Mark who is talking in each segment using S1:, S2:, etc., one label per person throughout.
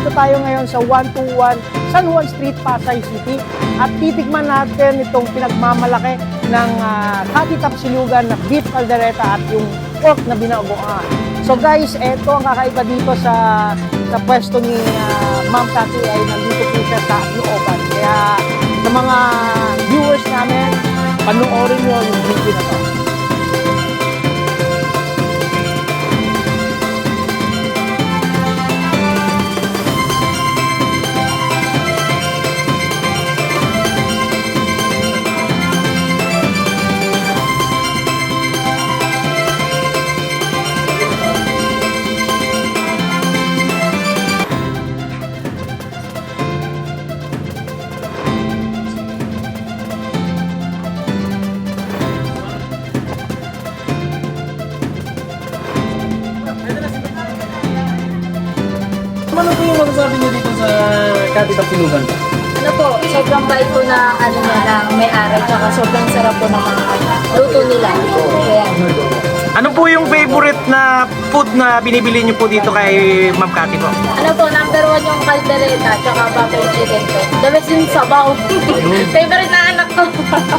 S1: nandito tayo ngayon sa 121 San Juan Street, Pasay City at titikman natin itong pinagmamalaki ng Catty Tapsilugan na beef caldereta at yung pork na binagoan. So guys, eto ang kakaiba dito sa pwesto ni Ma'am Catty ay nandito po siya sa looban. Kaya sa mga viewers namin, panoorin nyo yung video na to.
S2: Ano po yung masasabi niyo dito sa Catty Tapsilugan?
S3: Ano po, sobrang bait po na ano niya na may-ari, tsaka sobrang sarap po ng mga luto nila. Kaya,
S1: Ano po yung favorite na food na binibili niyo po dito kay Ma'am Catty po?
S3: ano po, number 1 yung caldereta, tsaka butter chicken po. The best yung sabaw. Favorite na anak ko.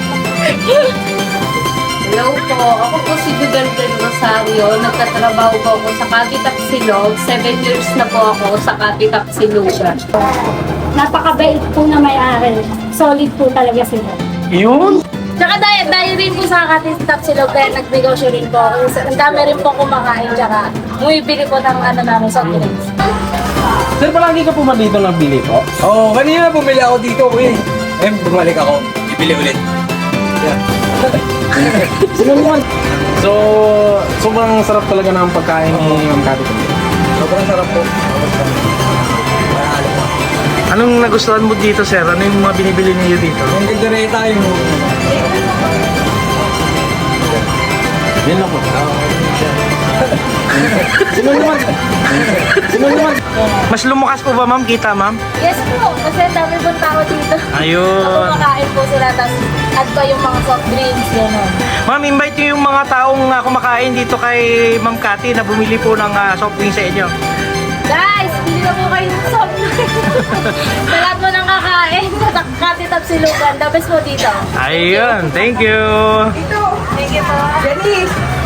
S4: Hello po, ako po si Judel del Rosario. Nagtatrabaho po ako sa Catty Tapsilog. 7 years na po ako sa Catty Tapsilugan.
S5: Napakabait po na may-ari. Solid po talaga sila.
S1: Yun?
S3: Tsaka dahil rin po sa Catty Tapsilog, kaya nagnegosyo rin po ako. Ang dami rin po kumakain, tsaka bumibili po ng ano namin, soft drinks.
S2: Sir, palagi ka po ba dito nabili po?
S6: Oo, kanina bumili ako dito, uy. Bumalik ako. Ibili ulit.
S2: Sino naman? So, sobrang sarap talaga ng pagkain ni Ma'am Catty.
S6: Sobrang sarap po. Marahalo po.
S1: Anong nagustuhan mo dito, sir? Ano yung mga binibili niyo dito?
S6: Yung caldereta, yung...
S2: Yan lang po. Sino naman? Sino naman?
S1: Mas lumakas po ba, ma'am? Kita, ma'am?
S3: Yes po, kasi ang dami pong tao dito.
S1: Ayun.
S3: Kumakain po sila, tapos add pa yung mga soft drinks, gano'n.
S1: Ma'am, invite niyo yung mga taong kumakain dito kay Ma'am Catty na bumili po ng soft drink sa inyo.
S3: Guys, bili na po kayo ng soft drinks. Sa lahat mo nang kakain, sa Catty Tapsilugan, the best po dito.
S1: Ayun, thank you.
S3: Thank you po.
S4: Janice!